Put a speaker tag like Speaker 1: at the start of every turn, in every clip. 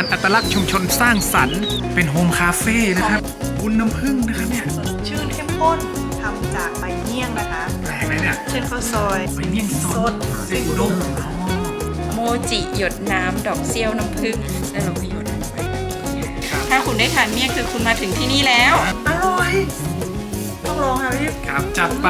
Speaker 1: ารอัตลักษณ์ชุมชนสร้างสรรค์เป็นโฮมคาเฟ่นะครับบุญน้ำผึ้งนะครับเนี่ย
Speaker 2: ชื่นเข้มข้นทำจากใบเมี่ยงนะคะ
Speaker 1: แปลกเลยเนี่ย
Speaker 2: เช่นข้าวซอย
Speaker 1: ใบเมี่ยงสดเส้นอุด้ง
Speaker 3: โมจิหยดน้ำดอกเซี่ยวน้ำผึ้งแล้วเราก็หยดลงไปแบบนี้ถ้าคุณได้ทานเมี่ยงคือคุณมาถึงที่นี่แล้ว
Speaker 2: อร่อยต้องลองค่ะพี่
Speaker 1: ครับจัดไป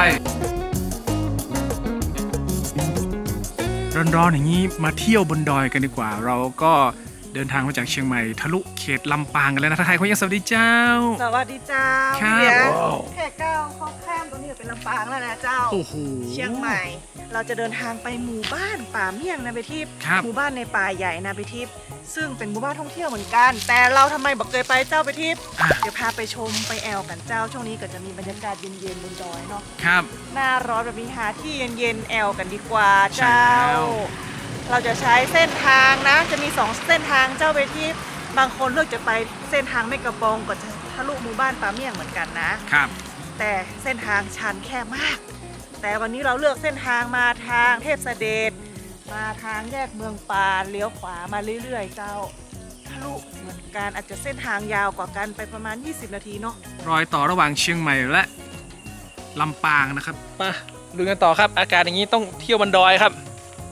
Speaker 1: ร้อนๆอย่างนี้มาเที่ยวบนดอยกันดีกว่าเราก็เดินทางมาจากเชียงใหม่ทะลุเขตลำปางกันแล้วนะทักทายคุณยังสวัสดีเจ้า
Speaker 2: สวัสดีเจ้า
Speaker 1: ครับ
Speaker 2: แค่ก้าวข้ามตรงนี้เป็นลำปางแล้วนะเจ้า
Speaker 1: โอ้โห
Speaker 2: เชียงใหม่เราจะเดินทางไปหมู่บ้านป่าเมี่ยงนาเบทิพย์หมู่บ้านในป่าใหญ่นาเบทิพย์ซึ่งเป็นหมู่บ้านท่องเที่ยวเหมือนกันแต่เราทำไมบอกเคยไปเจ้าไปทิพย์เดี๋ยวพาไปชมไปแอลกันเจ้าช่วงนี้ก็จะมีบรรยากาศเย็นๆบนดอยเนาะ
Speaker 1: ครับ
Speaker 2: หน้าร้อนแบบนี้หาที่เย็นๆแอลกันดีกว่าเจ้าเราจะใช้เส้นทางนะจะมี2เส้นทางเจ้าไปทิพย์บางคนเลือกจะไปเส้นทางแม่กระปองก็จะทะลุหมู่บ้านป่าเมี่ยงเหมือนกันนะครับแต่เส้นทางชันแคบมากแต่วันนี้เราเลือกเส้นทางมาทางเทพเสด็จมาทางแยกเมืองปานเลี้ยวขวามาเรื่อยๆเจ้าทะลุเหมือนกันอาจจะเส้นทางยาวกว่ากันไปประมาณ20นาทีเนาะ
Speaker 1: รอยต่อระหว่างเชียงใหม่และลำปางนะครับมาดูกันต่อครับอากาศอย่างนี้ต้องเที่ยวบนดอยครับ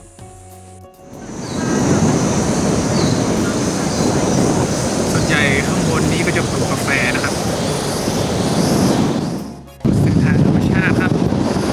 Speaker 1: ส่วนใหญ่ข้างบนนี้ก็จะปลูกกาแฟนะครับเส้นทางธรรมชาติครับ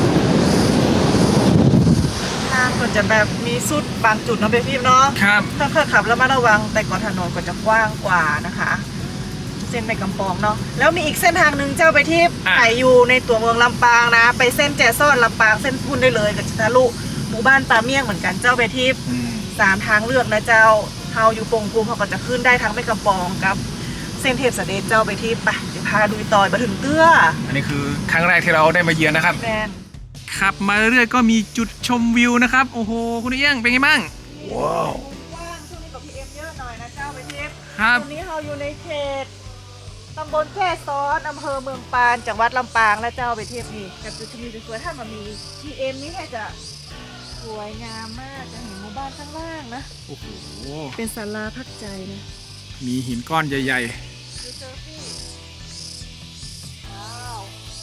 Speaker 2: ทางก็จะแบบมีสุดบางจุดเนาะพี่เนาะ
Speaker 1: ครับ
Speaker 2: ถ้าขับแล้วมาระวังแต่ก่อนถนนก็จะกว้างกว่านะคะเส้นแม่กำปองเนาะแล้วมีอีกเส้นทางหนึ่งเจ้าไปที่ไผ่อยู่ในตัวเมืองลำปางนะไปเส้นแจซ่อนลำปางเส้นพุ่นได้เลยกับทะลุหมู่บ้านป่าเมี่ยงเหมือนกันเจ้าไปที่3ทางเลือกนะเจ้าเฮาอยู่ปงภูมิเขาก็จะขึ้นได้ทั้งแม่กำปองกับเส้นเทพเสด็จเจ้าไปที่ไปเดี๋ยวพาดูต่อยมาถึงเตื้อ
Speaker 1: อันนี้คือครั้งแรกที่เราได้มาเยือนนะครับ
Speaker 2: แมน
Speaker 1: ขับมาเรื่อยก็มีจุดชมวิวนะครับโอ้โหคุณเอี้ยงเป็นไงบ้าง
Speaker 2: ว้าวว่างช่วงนี้กับพีเอ็มเยอะหน่อยนะเจ้าไปที่
Speaker 1: ครับ
Speaker 2: ตรงนี้เราอยู่ในเขตตำบลแค่ซ้อนอำเภอเมืองปานจังหวัดลำปางและเจ้าไปเทียบนี่กับจุดชมวิวสวยๆถ้ามันมีพีเอ็มนี่แค่จะสวยงามมากจะเห็นหมู่บ้านข้างล่างนะ
Speaker 1: โอ้โห
Speaker 2: เป็นศาลาพักใจนะ
Speaker 1: มีหินก้อนใหญ่
Speaker 2: ๆดูเซอร์ฟี่ว้าว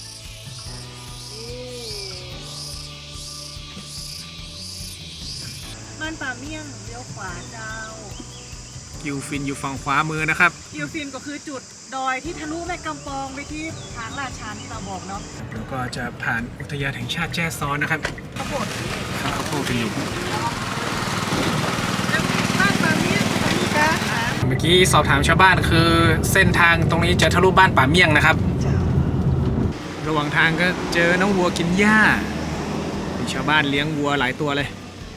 Speaker 2: บ้านป่าเมี่ยงเลี้ยวขวาเจ้า
Speaker 1: กิวฟินอยู่ฝั่งขวามือนะครับ
Speaker 2: กิวฟินก็คือจุดดอยที่ทะลุแม่กำปองไปที่ทางลาดชันที่เราบอกเนาะ
Speaker 1: แล้วก็จะผ่านอุทยานแห่งชาติแจ้ซ้อนนะครับ
Speaker 2: ข้าวโพด
Speaker 1: ข้าวโพดกันอยู่
Speaker 2: บ้านป่าเมี่ยงตรงนี้จ้า
Speaker 1: เมื่อกี้สอบถามชาวบ้านคือเส้นทางตรงนี้จะทะลุบ้านป่าเมี่ยงนะครับระหว่างทางก็เจอน้องวัวกินหญ้ามีชาวบ้านเลี้ยงวัวหลายตัวเลย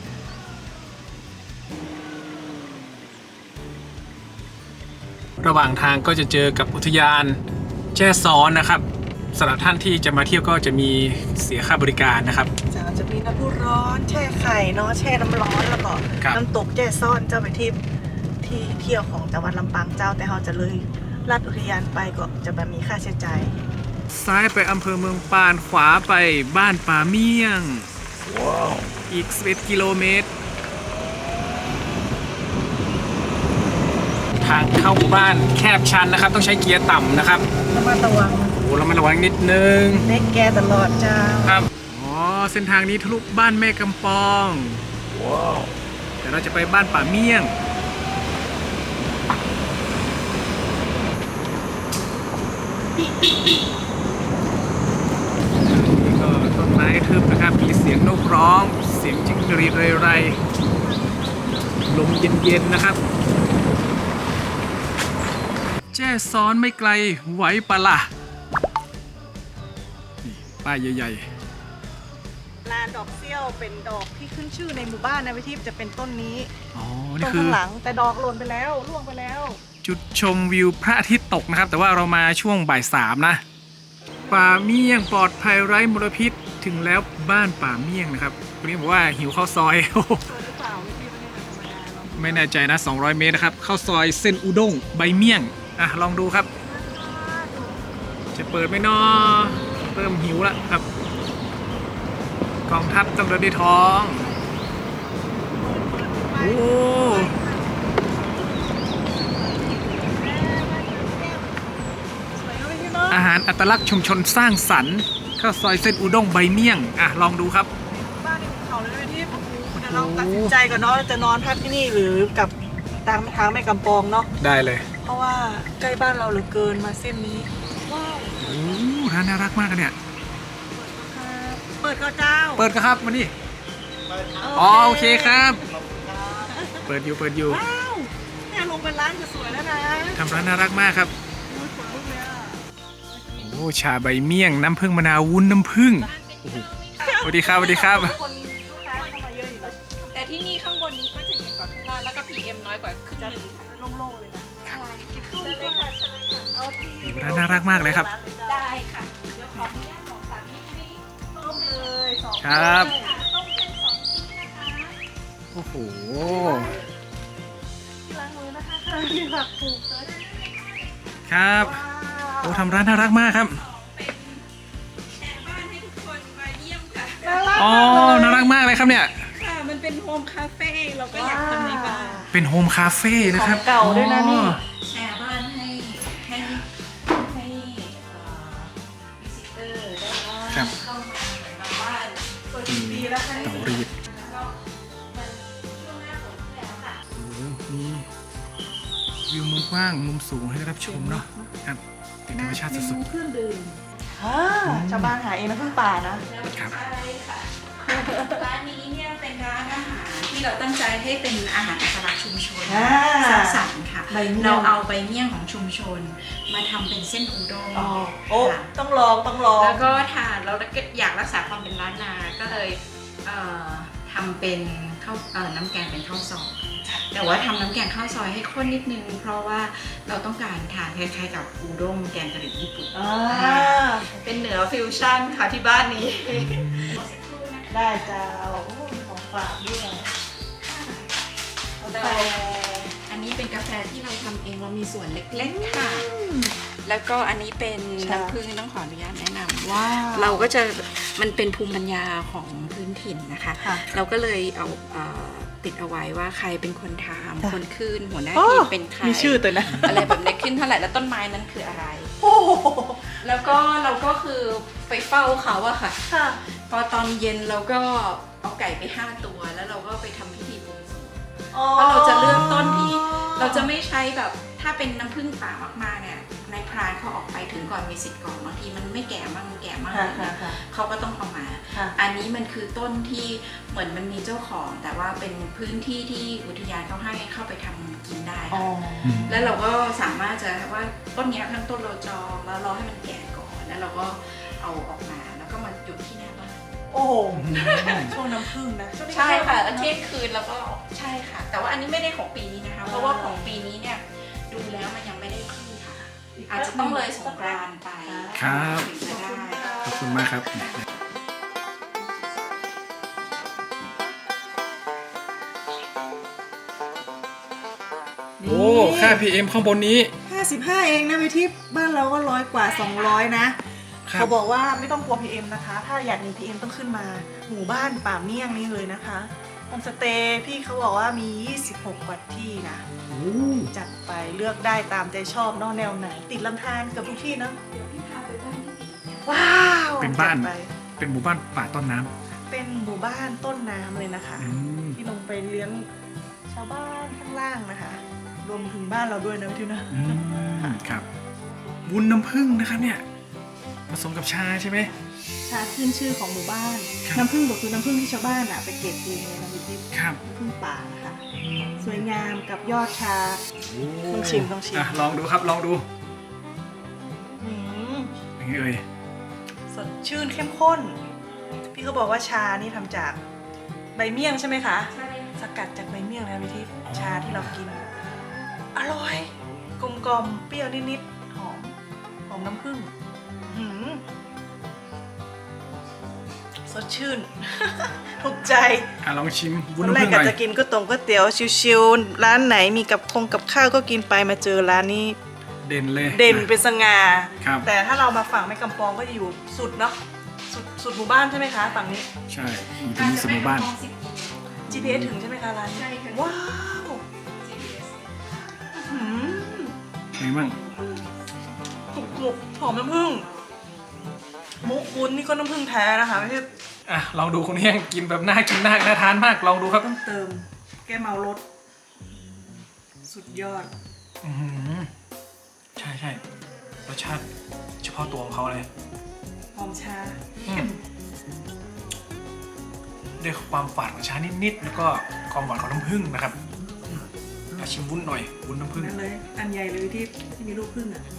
Speaker 1: ระหว่างทางก็จะเจอกับอุทยานแจ้ซ้อนนะครับสำหรับท่านที่จะมาเที่ยวก็จะมีเสียค่าบริการนะครับ
Speaker 2: จะมีน้ำพุร้อนแช่ไข่เนาะแช่น้ำร้อนแล้วก็น้ำตกแจ้ซ้อนเจ้าไปที่เที่ยวของจังหวัดลำปางเจ้าแต่เราจะเลยลัดอุทยานไปก็จะแบบมีค่าใช้จ่าย
Speaker 1: ซ้ายไปอำเภอเมืองปานขวาไปบ้านป่าเมี่ยงอีก11 กิโลเมตรทางเข้าหมู่บ้านแคบชันนะครับต้องใช้เกียร์ต่ำนะครับ
Speaker 2: ระมัดระวัง
Speaker 1: โอ้ระมัดระวังนิดนึง
Speaker 2: เน็กแกตลอดเจ้า
Speaker 1: ครับอ๋อเส้นทางนี้ทะลุบ้านแม่กำปองว้าวแต่เราจะไปบ้านป่าเมี่ยงนี่ก็ต้นไม้ทึบนะครับมีเสียงนกร้องเสียงจิ้งหรีดเรยๆลมเย็นๆนะครับแจ้ซ้อนไม่ไกลไหวปะล่ะนี่ป้ายใหญ่
Speaker 2: ๆลานดอกเซี่ยวเป็นดอกที่ขึ้นชื่อในหมู่บ้านนะวิธีจะเป็นต้นนี้
Speaker 1: นี่
Speaker 2: คือข้างหลังแต่ดอกหล่นไปแล้วร่วงไปแล้ว
Speaker 1: จุดชมวิวพระอาทิตย์ตกนะครับแต่ว่าเรามาช่วงบ่าย 3นะป่าเมี่ยงปลอดภัยไร้มลพิษถึงแล้วบ้านป่าเมี่ยงนะครับคนนี้บอกว่าหิวข้าวซอยไม่แน่ใจนะ200 เมตรนะครับข้าวซอยเส้นอุด้งใบเมี่ยงลองดูครับจะเปิดไหมน้อเริ่มหิวแล้วครับกองทัพต้องเดินด้วยท้องโอ้ารอัตลักษณ์ชุมชนสร้างสรรค์ข้าวซอยเส้นอุด้งใบเมี่ยงลองดูครับ
Speaker 2: บ้านในภูเขาเลยไหมที่เดี๋ยวเราตัดสินใจก่อนเนาะจะนอนพักที่นี่หรือกับทางแม่กำปองเนาะ
Speaker 1: ได้เลย
Speaker 2: เพราะว่าใกล้บ้านเราเหลือเกินมาเส้นนี้ว้าว
Speaker 1: โอ้ร้านน่ารักมากเนี่ย
Speaker 2: เปิดก็เจ้า
Speaker 1: เปิดก็ครับมาดิอ๋อโอเคครับ เปิดอยู่
Speaker 2: ว้าวเนี่ยลงเป็นร้านจะสวยแล้วนะ
Speaker 1: ทำร้านน่ารักมากครับ
Speaker 2: โอ้ยขนลุกเลยอะ
Speaker 1: โอ้ชาใบเมี่ยงน้ำผึ้งมะนาววุ้นน้ำผึ้งโอ้โหสวัสดีครับ
Speaker 2: คนลูกค้าเข้ามาเยอะอยู่แล้ว
Speaker 3: แต่ที่นี่ข้างบนนี้ก็จะเย็นกว่าข้างล่างแล้วก็ PM น้อยกว่าครึ่งห
Speaker 2: จะ
Speaker 3: นึง
Speaker 2: โล่งๆเลยนะใช่กินข้าวเลยค่ะเชิญเลยค่ะเอาที่
Speaker 1: ร้านน่ารักมากเลยครับ
Speaker 3: ได้ค่ะเดี๋ยวขออนุญาตบอกสามีให้
Speaker 2: ต้มเลยสอง
Speaker 1: ครับ
Speaker 3: ต้มเป็น2ชิ้นนะคะ
Speaker 1: โอ้โห
Speaker 2: ที่ล้างมือนะคะข้างที่ผักปลูกเลย
Speaker 1: ครับโอ้ทำร้านน่ารักมากครับ
Speaker 3: แชร์บ้านให้ทุกคนมาเยี่ยมค่ะ
Speaker 2: น่ารัก
Speaker 1: อ๋อน่ารักมากเลยครับเนี่ย
Speaker 3: ค่ะมันเป็นโฮมคาเฟ่เราก็อยากทำในบ้าน
Speaker 1: เป็นโฮมคาเฟ่นะครับ
Speaker 2: ของเก่าด้วยนะนี่
Speaker 1: อ๋อ
Speaker 3: แชร์บ้านให้วิสิเตอร์ได้ว่า
Speaker 1: ครับ
Speaker 3: เข้ามาเหมือนกับบ้าน
Speaker 2: เปิดกี่ปีแล้วคะ
Speaker 1: เตารีด
Speaker 3: แล้วก็มันช่วงหน้าฝนที่แล้วค่ะ
Speaker 1: โอ้โหมีวิวมุมกว้างมุมสูงให้ได้รับชมเนาะครับเป็นธรรมชาติสุด
Speaker 2: เครื่องดื่มชาวบ้านหาเองนะเพิ่งป่านะ
Speaker 1: ครับ
Speaker 3: ใช่ค่ะร้านนี้เนี่ยเป็นร้านอาหารที่เราตั้งใจให้เป็นอาหารอัตลักษณ์ชุมชน
Speaker 2: อ่า
Speaker 3: สร้างสรรค์ค่ะ
Speaker 2: ใบเมี่ยง
Speaker 3: เราเอาใบเมี่ยงของชุมชน มาทำเป็นเส้นอูด้ง
Speaker 2: โอ้
Speaker 3: ค่ะ
Speaker 2: ต้องลองต้องลอง
Speaker 3: แล้วก็ทานเราอยากรักษาความเป็นล้านนาก็เลยทำเป็นข้าวน้ำแกงเป็นข้าวซอยแต่ว่าทำน้ำแกงข้าวซอยให้ข้นนิดนึง เพราะว่าเราต้องการทานคล้ายๆกับอูด้งแกงกะหรี่ญี่ปุ่น
Speaker 2: อ่า
Speaker 3: เป็นเหนือฟิวชั่นค่ะที่บ้านนี้
Speaker 2: ได้เจ้าโอ้มีของฝากด้วยกาแฟ
Speaker 3: อันนี้เป็นกาแฟที่เราทำเองเรามีส่วนเล็กๆค่ะ แล้วก็อันนี้เป็นน้ำผึ้งต้องขออนุญาตแนะนำ
Speaker 2: ว้าว
Speaker 3: เราก็จะมันเป็นภูมิปัญญาของพื้นถิ่นนะคะ
Speaker 2: ค่ะ
Speaker 3: เราก็เลยเอาติดเอาไว้ว่าใครเป็นคนท
Speaker 2: จ้ะ
Speaker 3: ำคนขึ้นหัวหน้า
Speaker 2: โอ้
Speaker 3: ทีมเป็นใคร
Speaker 2: มีชื่อตัวนะ
Speaker 3: อะไรแบบนี้ขึ้นเท่าไหร่แล้วต้นไม้นั้นคืออะไร
Speaker 2: โอ้โห
Speaker 3: แล้วก็เราก็คือไปเฝ้าเขาอะค่ะ
Speaker 2: ค่ะ
Speaker 3: พอตอนเย็นเราก็เอาไก่ไป5 ตัวแล้วเราก็ไปทำพิธีบวงสรวง เพราะเราจะเลือกต้นที่เราจะไม่ใช้แบบถ้าเป็นน้ำผึ้งป่ามากๆเนี่ยในพรานเขาออกไปถึงก่อนมีสิทธิ์ก่อนบางทีมันไม่แก่มากมันแก่มาก
Speaker 2: ค่ะ
Speaker 3: อะไร
Speaker 2: ค่ะ
Speaker 3: เงี้ย
Speaker 2: ค่ะ
Speaker 3: เขาก็ต้องเอามา
Speaker 2: ค่ะ
Speaker 3: อันนี้มันคือต้นที่เหมือนมันมีเจ้าของ แต่ว่าเป็นพื้นที่ที่อุทยานเขาให้เข้าไปทำกินได้
Speaker 2: อ๋อ
Speaker 3: ค่ะแล้วเราก็สามารถจะว่าต้นเนี้ยทั้งต้นเราจองแล้วรอให้มันแก่ก่อนแล้วเราก็เอาออกมาแล้วก็มาหยุดที่หน้าบ้าน
Speaker 2: โอ้โหช่วงน้ำผึ้งนะช่วงนี้
Speaker 3: ใช่ค่ะแล้ว
Speaker 2: เที่
Speaker 3: เที่
Speaker 2: ย
Speaker 3: ยงคืนแล้วก็ใช่ค่ะ แต่ว่าอันนี้ไม่ได้ของปีนี้นะคะ เพราะว่าของปีนี้เนี่ยดูแล้วมันยังไม่ได้ขึ้นค่ะ อาจจะต้องเลยสงกรานต์ไป
Speaker 1: ครับ
Speaker 3: ถึงจะได้
Speaker 1: ขอบคุณมากครับ โอ้ค่า PM ข้างบนนี้
Speaker 2: 55 เองนะวิทิพย์บ้านเราก็100 กว่า 200 นะ
Speaker 1: ครับ
Speaker 2: เขาบอกว่าไม่ต้องกลัว PM นะคะ ถ้าอยากหนี PM ต้องขึ้นมาหมู่บ้านป่าเมี่ยงนี่เลยนะคะโฮมสเตย์พี่เขาบอกว่ามี 26 กว่าที่นะ
Speaker 1: โอ้
Speaker 2: จัดไปเลือกได้ตามใจชอบเนอกแนวไหน ติดลำธารเกับทุกที่เนอะ
Speaker 3: เดี๋ยวพี่พาไปบ้านที่ติดเนี่ย
Speaker 2: ว้าว
Speaker 1: เป็นบ้าน
Speaker 2: จัดไป
Speaker 1: เป็นหมู่บ้านป่าต้นน้ำ
Speaker 2: เป็นหมู่บ้านต้นน้ำเลยนะคะ
Speaker 1: อืม
Speaker 2: ที่ลงไปเลี้ยงชาวบ้านข้างล่างนะคะ รวมถึงบ้านเราด้วยนะพี่ทิวนะ
Speaker 1: อืมครับ วุ้นน้ำผึ้งนะครับเนี่ย ผสมกับชาใช่ไหม
Speaker 2: ชาขึ้นชื่อของหมู่บ้าน
Speaker 1: ครับ
Speaker 2: น้ำผึ้งบอกคือน้ำผึ้งที่ชาวบ้านอะไปเก็บเองเลยนะพี่ทิพย์
Speaker 1: ครับ
Speaker 2: น้ำผึ้งป่านะคะ สวยงามกับยอดชา
Speaker 1: โอ้
Speaker 2: ต้องชิมต้องชิม
Speaker 1: อ่ะลองดูครับ ลองดู
Speaker 2: อืม
Speaker 1: เป็นไงเอ่ย
Speaker 2: สดชื่นเข้มข้น พี่เขาบอกว่าชานี่ทำจากใบเมี่ยงใช่ไหมคะ
Speaker 3: ใช่
Speaker 2: สกัดจากใบเมี่ยงนะพี่ทิพย์ชาที่เรากิน อร่อยกลมกลมๆเปรี้ยวนิดๆหอมหอมน้ำผึ้งหืมสดชื่น ถูกใจ
Speaker 1: อ่ะลองชิมวุ้
Speaker 2: วัน น
Speaker 1: น้ำ
Speaker 2: แร
Speaker 1: ผึ้
Speaker 2: ก
Speaker 1: งห
Speaker 2: ก็
Speaker 1: น่อย
Speaker 2: จะกินก๋วยเตี๋ยวชิวๆร้านไหนมีกับข้าวก็กินไปมาเจอร้านนี้
Speaker 1: เด่นเลย
Speaker 2: เด่นเป็นสง่า
Speaker 1: ครับ
Speaker 2: แต่ถ้าเรามาฝั่งแม่กำปองก็จะอยู่สุดเนาะสุดหมู่บ้านใช่ไหมคะฝั่งนี้
Speaker 1: ใช่อยู่ตรงนี้สมหมู่บ้าน
Speaker 2: GPS ถึงใช่ไหมคะร้านนี้
Speaker 3: ใช่ค่ะ
Speaker 2: ว้าว
Speaker 3: GPS
Speaker 2: หืม
Speaker 1: ไงบ้าง
Speaker 2: ถูกใจหมูหอมน้ำผึ้งมุกวุ้นนี่ก็น้ำผึ้งแท้นะคะไม่ใช่
Speaker 1: อ่ะลองดูคนนี้ยังกินแบบน่ากินน่าทานมากลองดูครับ
Speaker 2: ต้องเติมแก้เมารสสุดยอด
Speaker 1: อื้อหือใช่ใช่รสชาติเฉพาะตัวของเขาเลย
Speaker 2: หอมชา
Speaker 1: ด้วยความฝาดของชานิดๆแล้วก็ความหวานของน้ำผึ้งนะครับอยากชิมวุ้นหน่อยวุ้นน้ำผึ้ง
Speaker 2: นั่นเลยอันใหญ่เลยที่มีลูกผึ้งอ่ะ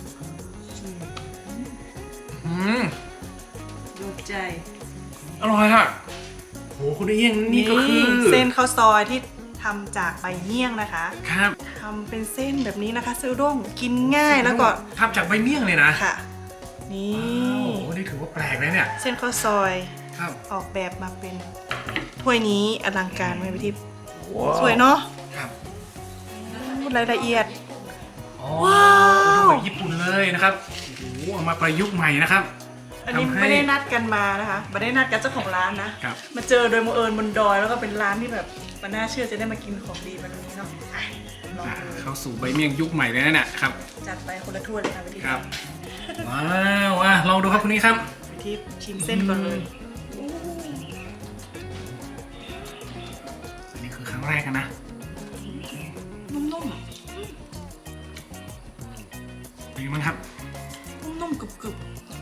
Speaker 1: อืม
Speaker 2: โดนใจ
Speaker 1: อร่อยค่ะโหคุณเอี้ยงนี่ก็คือ
Speaker 2: เส้นข้าวซอยที่ทำจากใบเมี่ยงนะคะ
Speaker 1: ครับ
Speaker 2: ทำเป็นเส้นแบบนี้นะคะเซลด้งกินง่ายแล้วก็
Speaker 1: ทำจากใบเมี่ยงเลยนะ
Speaker 2: ค่ะ นี่
Speaker 1: โอ้โหนี่ถือว่าแปลกเลยเนี่ย
Speaker 2: เส้นข้าวซอย
Speaker 1: ครับ
Speaker 2: ออกแบบมาเป็นถ้วยนี้อลังการไหมพี่ทิพย์สวยเนาะ
Speaker 1: ครับ
Speaker 2: รายละเอียด
Speaker 1: อ๋อ
Speaker 2: ว้าว
Speaker 1: แบบญี่ปุ่นเลยนะครับโอ้โหเอามาประยุกต์ใหม่นะครับ
Speaker 2: อันนี้
Speaker 1: ทำให้
Speaker 2: ไม่ได้นัดกันมานะคะไม่ได้นัดกับเจ้าของร้านนะครับ มาเจอโดยบังเอิญบนดอยแล้วก็เป็นร้านที่แบบมันน่าเชื่อจะได้มากินของดีแบบนี้เนาะอ่ะลอง
Speaker 1: อ่ะ
Speaker 2: ดู
Speaker 1: เข้าสู่ใบเมี่ยงยุคใหม่เลยนะเนี่ยครับ
Speaker 2: จัดไปคนละถ้วยเลยค่ะพี่ทิพย์
Speaker 1: ครับว้าวอ่ะลองดูครับคุณนี้ครับ
Speaker 2: พี่ทิพย์ชิมเส้นก่อนเลย
Speaker 1: อันนี้คือครั้งแรกนะ
Speaker 2: นุ่ม
Speaker 1: เป็นยังไงบ้างครับ
Speaker 2: ๆนุ่มๆกรึบๆ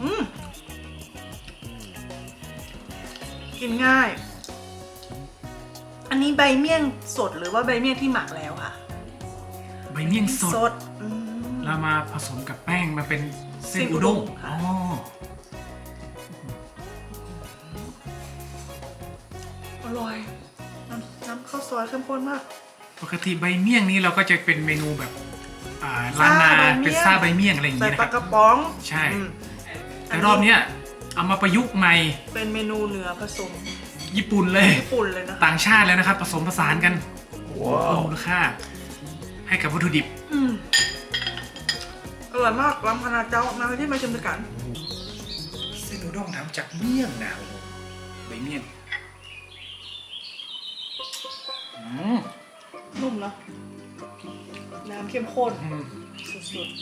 Speaker 2: กินง่าย อันนี้ใบเมี่ยงสดหรือว่าใบเมี่ยงที่หมักแล้วค่ะ
Speaker 1: ใบเมี่ยงสด
Speaker 2: ดอืม
Speaker 1: แล้วมาผสมกับแป้งมาเป็นเส้น
Speaker 2: เส้นอุ
Speaker 1: อุ
Speaker 2: ด้
Speaker 1: ด้
Speaker 2: ง
Speaker 1: ง
Speaker 2: ค่ะ
Speaker 1: อ๋อ
Speaker 2: อร่อยน้ำข้าวซอยเข้มข้นมาก
Speaker 1: ปกติใบเมี่ยงนี้เราก็จะเป็นเมนูแบบล้านนา
Speaker 2: ซ่าใบเมี่ยง
Speaker 1: เป็นซ่าใบเมี่ยงอะไรอย่าง
Speaker 2: ใส่
Speaker 1: นี้นะ
Speaker 2: ป
Speaker 1: ค
Speaker 2: ลา
Speaker 1: รับ
Speaker 2: กระป๋อง
Speaker 1: ใช่
Speaker 2: อืม
Speaker 1: แต่รอบเนี้ยเอามาประยุกต์ใหม่
Speaker 2: เป็นเมนูเนื้อผสม
Speaker 1: ญี่ปุ่นเลย
Speaker 2: ญี่ปุ่นเลยนะ
Speaker 1: ต่างชาติแล้วนะครับ ผสมผสานกันเพิ่มมูลค่า ให้กับวัตถุดิบ
Speaker 2: อืมอร่อยมากลำพนาเจ้ามาที่มาชิมด้วยกัน
Speaker 1: เส้นอุด้งทำจากเมี่ยงนะใบเมี่ยงอืม
Speaker 2: นุ่มเนาะน้ำเข้มข้น
Speaker 1: อืม
Speaker 2: สุด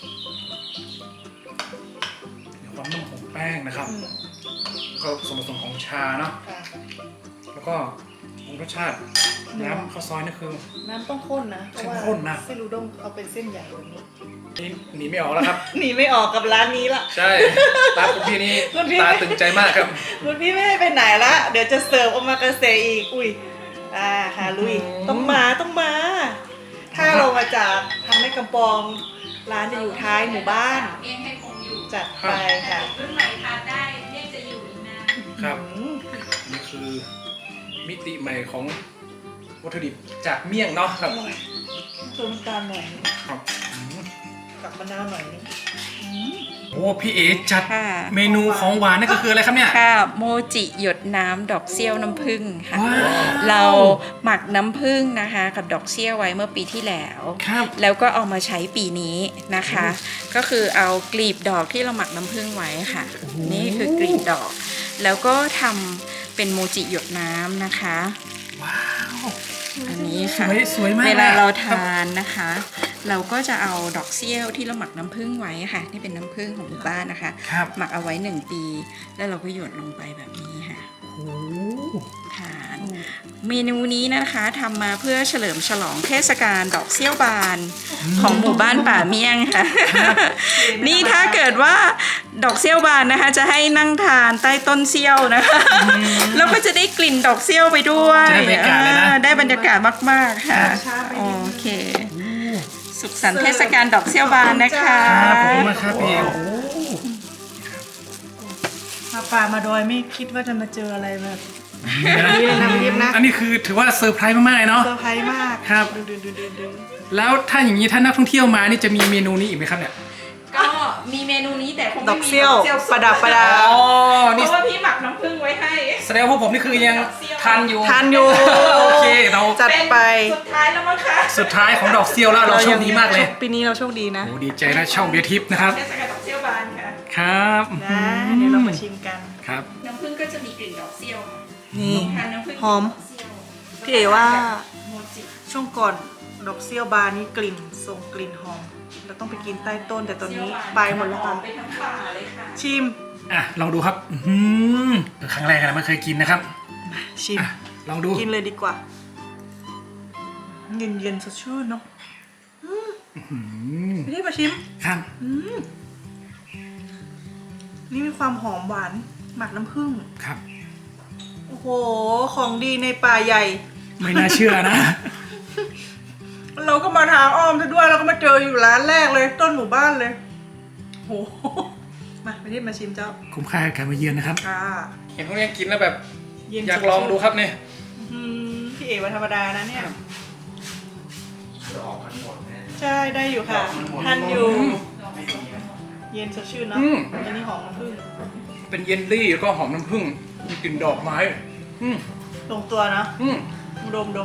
Speaker 1: มีความนุ่มของแป้งนะครับ
Speaker 2: ๆอืม
Speaker 1: ก็ส่วนผสมของชาเนาะ
Speaker 2: ค่ะ
Speaker 1: แล้วก็รสชาติน้ำข้าวซอยนี่คือ
Speaker 2: น้ำต้องข้นนะเพราะว่า
Speaker 1: เข้มข้นนะ
Speaker 2: เส้นอุด้งเอาเป็นเส้นใหญ่แบบนี้
Speaker 1: นี่หนีไม่ออกแล้วครับ
Speaker 2: หนีไม่ออกกับร้านนี้ละ
Speaker 1: ใช่ ตาคุณพี่นี่
Speaker 2: คุณพี่
Speaker 1: ตาตึงใจมากครับ
Speaker 2: คุณพี่ไม่ให้ไปไหนละ เดี๋ยวจะเสิร์ฟโอมากาเสะอีก อุ้ยหาลุย ต้องมา ถ้าเรามาจากทางแม่กำปอง ร้านจะอยู่ท้ายหมู่บ้าน
Speaker 3: เมี่ยงให้คงอยู่
Speaker 2: จัดไปค่ะ
Speaker 3: รุ่นใหม่ทานได้เมี่ยงจะอยู่อีกนาน
Speaker 1: ครับ
Speaker 2: อืม
Speaker 1: นี่คือมิติใหม่ของวัตถุดิบจากเมี่ยงเนาะค
Speaker 2: อ
Speaker 1: รับ
Speaker 2: ร่อยเติมน้ำตาลหน่อย
Speaker 1: ครับอืม
Speaker 2: กับมะนาวหน่อยนึง
Speaker 1: โอ้พี่เอ๋จัด
Speaker 3: ค่ะ
Speaker 1: เมนูของหวานนั่นก็คืออะไรครับเนี่ย
Speaker 3: ค่ะโมจิหยดน้ำดอกเซี่ยวน้ำผึ้งค่ะ
Speaker 1: ว้าว
Speaker 3: เราหมักน้ำผึ้งนะคะกับดอกเซี่ยวไว้เมื่อปีที่แล้ว
Speaker 1: ครับ
Speaker 3: แล้วก็เอามาใช้ปีนี้นะคะ ก็คือเอากลีบดอกที่เราหมักน้ำผึ้งไว้ค่ะ นี่คือกลีบดอก แล้วก็ทำเป็นโมจิหยดน้ำนะคะ
Speaker 1: ว้าว
Speaker 3: อันนี้ค่ะ
Speaker 1: สวยมาก
Speaker 3: เวลาเรา
Speaker 1: ครับ
Speaker 3: ทานนะคะ เราก็จะเอาดอกเซี่ยวที่เราหมักน้ำผึ้งไว้ค่ะนี่เป็นน้ำผึ้งของหมู่บ้านนะคะ
Speaker 1: ครับ
Speaker 3: หมักเอาไว้ 1 ปี แล้วเราก็หยดลงไปแบบนี้ค่ะ
Speaker 1: โอ้
Speaker 3: ทานเมนูนี้นะคะทำมาเพื่อเฉลิมฉลองเทศกาลดอกเซี่ยวบานของหมู่บ้านป่าเมี่ยงค่ะ นี่ถ้าเกิดว่าดอกเซี่ยวบานนะคะ จะให้นั่งทานใต้ต้นเซี่ยวนะคะแล้วก็จะได้กลิ่นดอกเซี่ยวไปด้วย
Speaker 1: จะได้บรรยากาศเลยนะ
Speaker 3: ได้บรรยากาศมากๆค่ะ โอเค สุขสันต์เทศกาลดอกเซี่ยวบานนะคะ
Speaker 1: ครับขอบคุณมากครับพี่เอ๋โอ้
Speaker 2: มาป่ามาดอยไม่คิดว่าจะมาเจออะไรแบบนี้เลยนะพี่ทิพย์นะ
Speaker 1: อันนี้คือถือว่าเซอร์ไพรส์มากๆเลยเนาะ
Speaker 2: เซอร์ไพรส์มาก
Speaker 1: ครับ
Speaker 2: ดึง
Speaker 1: แล้วถ้าอย่างนี้ถ้านักท่องเที่ยวมานี่จะมีเมนูนี้อีกไหมครับเนี่ย
Speaker 3: ก็มีเมนูนี้แต่คง
Speaker 2: ด
Speaker 3: ไม่
Speaker 2: อก
Speaker 3: มี
Speaker 2: เซี่ยวประดับประดา
Speaker 1: อ๋อ
Speaker 3: เพ
Speaker 1: นี่
Speaker 3: ราะว่าพี่หมักน้ำผึ้งไว้ให้
Speaker 1: แสดงว่าพวกผมนี่คือยังทานอยู่
Speaker 2: ทานอยู่
Speaker 1: โอเคเรา
Speaker 2: จัดไป
Speaker 3: สุดท้ายแล้วมั้งคะ
Speaker 1: สุดท้ายของดอกเซี่ยวแล้วเราโชคดีมากเลย
Speaker 2: ปีนี้เราโชคดีนะ
Speaker 1: โอ้ดีใจนะช่องเบียร์ทิพย์นะครับ
Speaker 3: เทศกาลดอกเซี่ยวบานค่ะ
Speaker 1: ครับ
Speaker 2: นะเดี๋ยวเรามาชิมกัน
Speaker 1: ครับ
Speaker 3: น้ำผึ้งก็จะมีกลิ่นดอกเซี่ยวค่ะ
Speaker 2: นี่
Speaker 3: ทานน้ำผึ้ง
Speaker 2: หอม
Speaker 3: ดกเซี่ยว
Speaker 2: พี่เอ๋ว่า
Speaker 3: โมจิ
Speaker 2: ช่วงก่อนดอกเซี่ยวบานนี่กลิ่นส่งกลิ่นหอมเราต้องไปกินใต้ต้นแต่ตอนนี้ไปหมดแล้วค่ะ
Speaker 3: ไปทั้งป่าเลยค่ะ
Speaker 2: ชิม
Speaker 1: อ่ะลองดูครับครั้งแรกนะไม่เคยกินนะครับ
Speaker 2: ชิม
Speaker 1: อ่ะลองดู
Speaker 2: กินเลยดีกว่าเย็นเย็นๆสดชื่นเนาะพี่ที่มาชิม
Speaker 1: ครับ
Speaker 2: นี่มีความหอมหวานหมักน้ำผึ้ง
Speaker 1: ครับ
Speaker 2: โอ้โหของดีในป่าใหญ่
Speaker 1: ไม่น่าเชื่อนะ
Speaker 2: เราก็มาทางอ้อมซะด้วยเราก็มาเจออยู่ร้านแรกเลยต้นหมู่บ้านเลยโหมาพี่ที่มาชิมเจ้า
Speaker 1: คุ้มค่ากับการมาเยือนนะครับ
Speaker 2: ค่ะ
Speaker 1: เห็นพวกนี้กินแล้วแบบ
Speaker 2: เย็น
Speaker 1: อยากลองดูครับเนี่ย
Speaker 2: พี่เอ๋วันธรรมดานะเนี่ยใช่ได้อยู่ค่ะทานอยู่ เย็นสดชื่นเนาะอันนี้หอมน้ำผึ้ง
Speaker 1: เป็นเยลลี่แล้วก็หอมน้ำผึ้งมีกลิ่นดอกไม้
Speaker 2: ลงตัวเนาะดม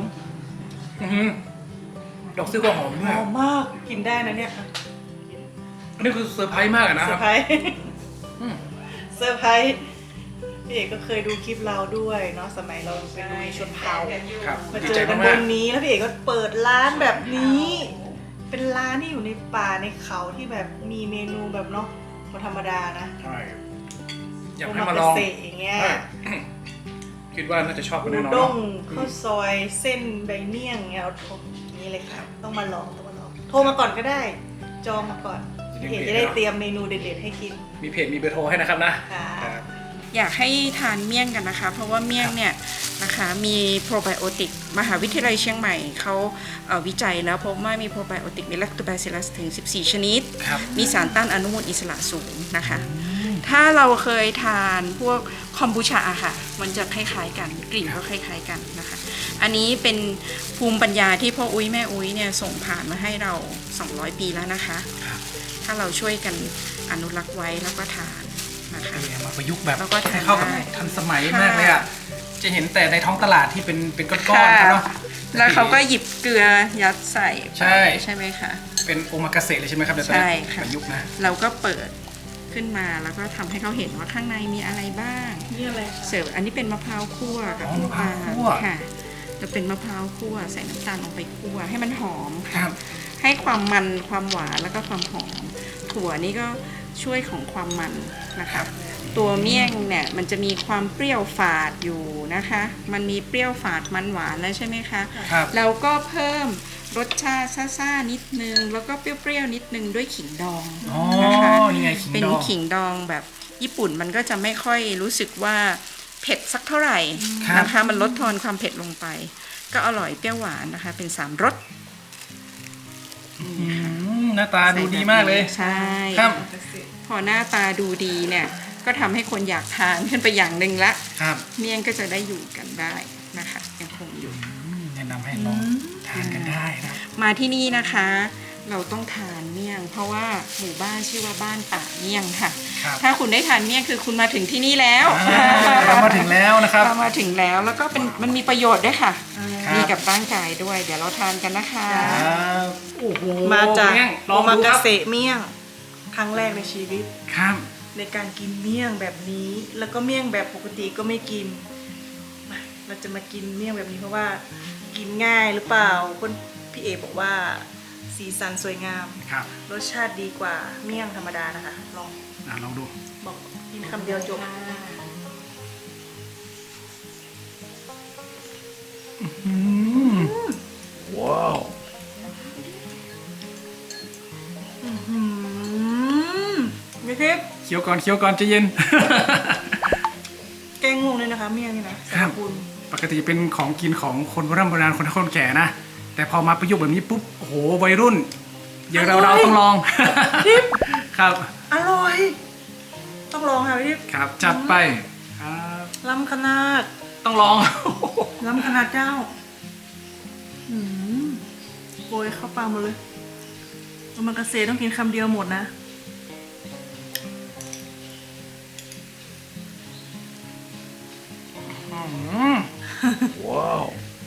Speaker 1: ดอกซิ่วก็หอมด้
Speaker 2: ห
Speaker 1: วย
Speaker 2: อมมากกินได้นะเนี่ย
Speaker 1: อันนี้คือเซอร์ไพรส์มากอะนะ
Speaker 2: เซ
Speaker 1: ค
Speaker 2: อ
Speaker 1: รับ
Speaker 2: ร์ไพรส์เซอร์ไพรส์พี่เอกก็เคยดูคลิปเราด้วยเนาะสมัยเราเป็นลุยชนเผ่า
Speaker 1: ครับ
Speaker 2: มา
Speaker 1: ดี
Speaker 2: เจ
Speaker 1: ใจ
Speaker 2: อกันบ
Speaker 1: มาก
Speaker 2: นนี้แล้วพี่เอกก็เปิดร้านแบบนี้ เป็นร้านที่อยู่ในป่าในเขาที่แบบมีเมนูแบบเนาะคนธรรมดานะ
Speaker 1: ๆใช่อยาก
Speaker 2: โอ
Speaker 1: ให้
Speaker 2: มา
Speaker 1: มาล
Speaker 2: เก
Speaker 1: อง
Speaker 2: ษตรอย่างเงี้ย
Speaker 1: ใช่คิดว่าน่าจะชอบกัน
Speaker 2: อู
Speaker 1: แน่นอน
Speaker 2: ด้ง
Speaker 1: เนาะ
Speaker 2: ข้าวซอยเส้นใบเมี่ยงเงี้ยเอาโทรนี่เลยค่ะต้องมาลองโทรมาก่อนก็ได้ จองมาก่อนพี่เอกจะได้เตรียมเมนูเด็ดๆให้กิน
Speaker 1: มีเพจมีเบอร์โทรให้นะครับนะ
Speaker 2: ค่ะ
Speaker 1: ครับ
Speaker 3: อยากให้ทานเมี่ยงกันนะคะ เพราะว่าเมี่ยงเนี่ยนะคะมีโปรไบโอติกมหาวิทยาลัยเชียงใหม่เขาวิจัยแล้วพบว่ามีโปรไบโอติกมีแลคโตแบซิลลัสถึง 14 ชนิด
Speaker 1: ครับ
Speaker 3: มีสารต้านอนุมูลอิสระสูงนะคะ ถ้าเราเคยทานพวกคอมบูชาอะค่ะ มันจะคล้ายๆกันกลิ่นก็คล้ายๆกันนะคะ อันนี้เป็นภูมิปัญญาที่พ่ออุ้ยแม่อุ้ยเนี่ยส่งผ่านมาให้เรา 200 ปีแล้วนะคะ
Speaker 1: ครับ
Speaker 3: ถ้าเราช่วยกันอนุรักษ์ไว้แล้วก็ทานนะคะ
Speaker 1: เอามาประยุกต์แบบ
Speaker 3: แล้วก็ทาน
Speaker 1: ให้เข้ากับ
Speaker 3: ได้
Speaker 1: ทันสมัย
Speaker 3: ค่ะ
Speaker 1: มากเลยอ่ะ จะเห็นแต่ในท้องตลาดที่เป็นก้อนๆครับเนาะ
Speaker 3: แล้วเขาก็หยิบเกลือยัดใส่
Speaker 1: ใช่
Speaker 3: ใช่ไหมคะ
Speaker 1: เป็นโอมากาเสะเลยใช่ไหมครับเดี๋ยว
Speaker 3: ใช่ค่ะ
Speaker 1: ประยุกต์นะ
Speaker 3: เราก็เปิดขึ้นมาแล้วก็ทำให้เขาเห็นว่าข้างในมีอะไรบ้าง
Speaker 2: นี่อะไรคะ
Speaker 3: เสิร์ฟอันนี้เป็นมะพร้าวคั่วกับ
Speaker 1: อ๋อ
Speaker 3: น้ำตาล
Speaker 1: มะพร้าวคั่ว
Speaker 3: ค่ะจะเป็นมะพร้าวคั่วใส่น้ำตาลลงไปคั่วให้มันหอม
Speaker 1: ค
Speaker 3: ค่ะ
Speaker 1: รับ
Speaker 3: ให้ความมันความหวานแล้วก็ความหอมถั่วนี่ก็ช่วยของความมันนะคะตัวเมี่ยงเนี่ยมันจะมีความเปรี้ยวฝาดอยู่นะคะ มันมีเปรี้ยวฝาดมันหวานแล้วใช่ไหมคะ
Speaker 1: ครับ
Speaker 3: เราก็เพิ่มรสชาติซ่าๆนิดนึงแล้วก็เปรี้ยวๆนิดนึงด้วยขิงดอง
Speaker 1: อ๋อ
Speaker 3: นะคะ
Speaker 1: นี่ไงขิง
Speaker 3: เป็น
Speaker 1: ดอง
Speaker 3: ขิงดองแบบญี่ปุ่นมันก็จะไม่ค่อยรู้สึกว่าเผ็ดสักเท่าไหร่
Speaker 1: ครับ
Speaker 3: นะคะมันลดทอนความเผ็ดลงไป ก็อร่อยเปรี้ยวหวานนะคะเป็น3รส
Speaker 1: หน้าตาดูดีมากเลย
Speaker 3: ใช่
Speaker 1: ครับ
Speaker 3: พอหน้าตาดูดีเนี่ยก็ทำให้คนอยากทานขึ้นไปอย่างหนึ่งละ
Speaker 1: ครับ
Speaker 3: เมี่ยงก็จะได้อยู่กันได้นะคะยังคงอยู่
Speaker 1: แนะนำให้ลองทานกันได้นะ
Speaker 3: มาที่นี่นะคะ เราต้องทานเมี่ยง เพราะว่าหมู่บ้านชื่อว่าบ้านป่าเมี่ยงค่ะ
Speaker 1: ครับ
Speaker 3: ถ้าคุณได้ทานเมี่ยงคือคุณมาถึงที่นี่แล้ว
Speaker 1: เรามาถึงแล้วนะครับ
Speaker 3: เรามาถึงแล้วแล้วก็เป็นมันมีประโยชน์ด้วยค่ะ
Speaker 1: ครับ
Speaker 3: ดีกับร่างกายด้วย เดี๋ยวเราทานกันนะคะ
Speaker 1: ครับโอ้โห
Speaker 2: มาจาก
Speaker 1: เมี่ยงล
Speaker 2: โอ
Speaker 1: อง
Speaker 2: มา
Speaker 1: ดูค
Speaker 2: กา
Speaker 1: รับ
Speaker 2: เสะเมี่ยงครั้งแรกในชีวิต
Speaker 1: ครับ
Speaker 2: ในการกินเมี่ยงแบบนี้ แล้วก็เมี่ยงแบบปกติก็ไม่กินมาเราจะมากินเมี่ยงแบบนี้เพราะว่ากินง่ายหรือเปล่าคนพี่เอบอกว่าสีสันสวยงาม
Speaker 1: ครับ
Speaker 2: รสชาติดีกว่าเมี่ยงธรรมดานะคะ ลอง
Speaker 1: ลองดู
Speaker 2: บอกกินคำเดียวจบ
Speaker 1: ว้าว
Speaker 2: ไม่ทิพย์
Speaker 1: เคี้ยวก่อนเคี้ยวก่อนใจะเย็น
Speaker 2: แกงงงเลยนะคะ เมี่ยงนี่นะสร
Speaker 1: ครั
Speaker 2: ร
Speaker 1: บ
Speaker 2: พคุณ
Speaker 1: ปกติเป็นของกินของคนโบราณคนเฒ่าคนแก่นะ แต่พอมาประยุกต์แบบนี้ปุ๊บ โอ้โห วัยรุ่น อย่างเราต้องลอง ครับ
Speaker 2: อร่อย ต้องลองค่ะพี่ทิพย์
Speaker 1: ครับ จัดไป ครับ
Speaker 2: ล้ำขนาด
Speaker 1: ต้องลอง
Speaker 2: ล้ำขนาดเจ้าโกยเข้าปากหมดเลยโอมากาเสะต้องกินคำเดียวหมดนะ
Speaker 1: ว้าว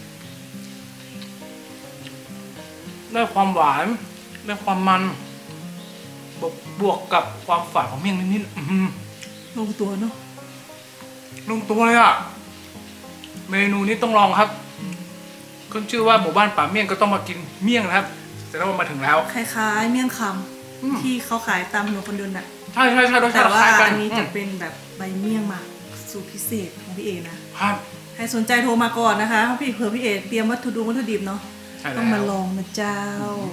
Speaker 1: ได้ความหวาน ได้ความมันบวกกับความฝาดของเมี่ยงนิดๆอื้อหือ
Speaker 2: ลงตัวเนาะ
Speaker 1: ลงตัวเลยอ่ะ เมนูนี้ต้องลองครับขึ้นชื่อว่าหมู่บ้านป่าเมี่ยงก็ต้องมากินเมี่ยงนะครับแต่เรามาถึงแล้ว
Speaker 2: คล้ายๆเมี่ยงค
Speaker 1: อืม
Speaker 2: ำที่เขาขายตามถนนคนเดินน่ะ
Speaker 1: ใช่รสชา
Speaker 2: แต่
Speaker 1: ติ
Speaker 2: ว่า
Speaker 1: คล้ายกัน
Speaker 2: อันนี้จะเป็นแบบใบเมี่ยงหมักสูตรพิเศษของพี่เอนะ
Speaker 1: ครับ
Speaker 2: ใครสนใจโทรมาก่อนนะคะพี่เผื่อพี่เอเตรียมวัตถุดิบเนาะ
Speaker 1: ใช่แล้ว
Speaker 2: ต้องมาลองนะเจ้า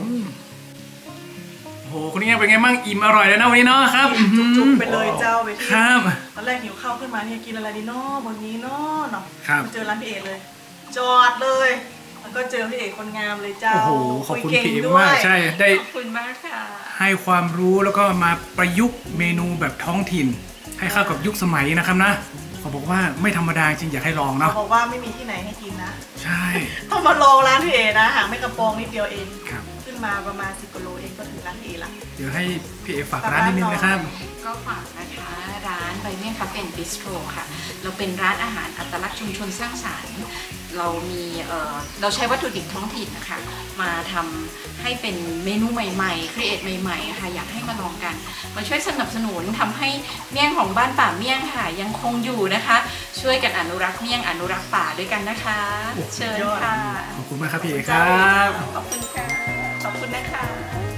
Speaker 1: โอ้โหคุณนี่เป็นไงบ้างอิ่มอร่อยแล้วนะวันนี้เนาะครับ
Speaker 2: จุกๆไปเลยเจ้าไปที่
Speaker 1: ครับ
Speaker 2: ตอนแรกหิวข้าวขึ้นมาเนี่ยกินอะไรดีเนาะบนนี้เนาะเนาะ
Speaker 1: ครับ
Speaker 2: มาเจอร้านพี่เอเลย จอดเลย แล้วก็เจอพี่เอคนงามเลยเจ้า
Speaker 1: โอ้โหขอบคุณ
Speaker 2: ยเก่ง
Speaker 1: พี่เอ๋
Speaker 2: ด้วย
Speaker 1: มากใช่ได้
Speaker 3: ขอบคุณมากค่ะ
Speaker 1: ให้ความรู้แล้วก็มาประยุกต์เมนูแบบท้องถิ่น ให้เข้ากับยุคสมัยนะครับนะเขาบอกว่าไม่ธรรมดาจริงอยากให้ลองเนาะ
Speaker 2: บอกว่าไม่มีที่ไหนให้กินนะ
Speaker 1: ใช่
Speaker 2: ต้องมาลองร้านพี่เอนะห่างไม่กระโปรงนิดเดียวเอง
Speaker 1: ครับ
Speaker 2: ขึ้นมาประมาณ10กิโลเองก็ถึงร้านพี่เอละ
Speaker 1: เดี๋ยวให้พี่เอฝากร้านนิดนึงนะครับ
Speaker 3: ก็ฝากนะคะร้านใบเมี่ยงคาเฟ่บิสโตรค่ะเราเป็นร้านอาหารอัตลักษณ์ชุมชนสร้างสรรค์เรามีเราใช้วัตถุดิบท้องถิ่นนะคะมาทำให้เป็นเมนูใหม่ๆครีเอทใหม่ๆค่ะอยากให้มาลองกันมาช่วยสนับสนุนทำให้เมี่ยงของบ้านป่าเมี่ยงค่ะยังคงอยู่นะคะ ช่วยกันอนุรักษ์เมี่ยงอนุรักษ์ป่าด้วยกันนะคะ เชิญค่ะ
Speaker 1: ขอบคุณมากครับพี่เอครับ
Speaker 3: ขอบคุณค่ะขอบคุณนะคะ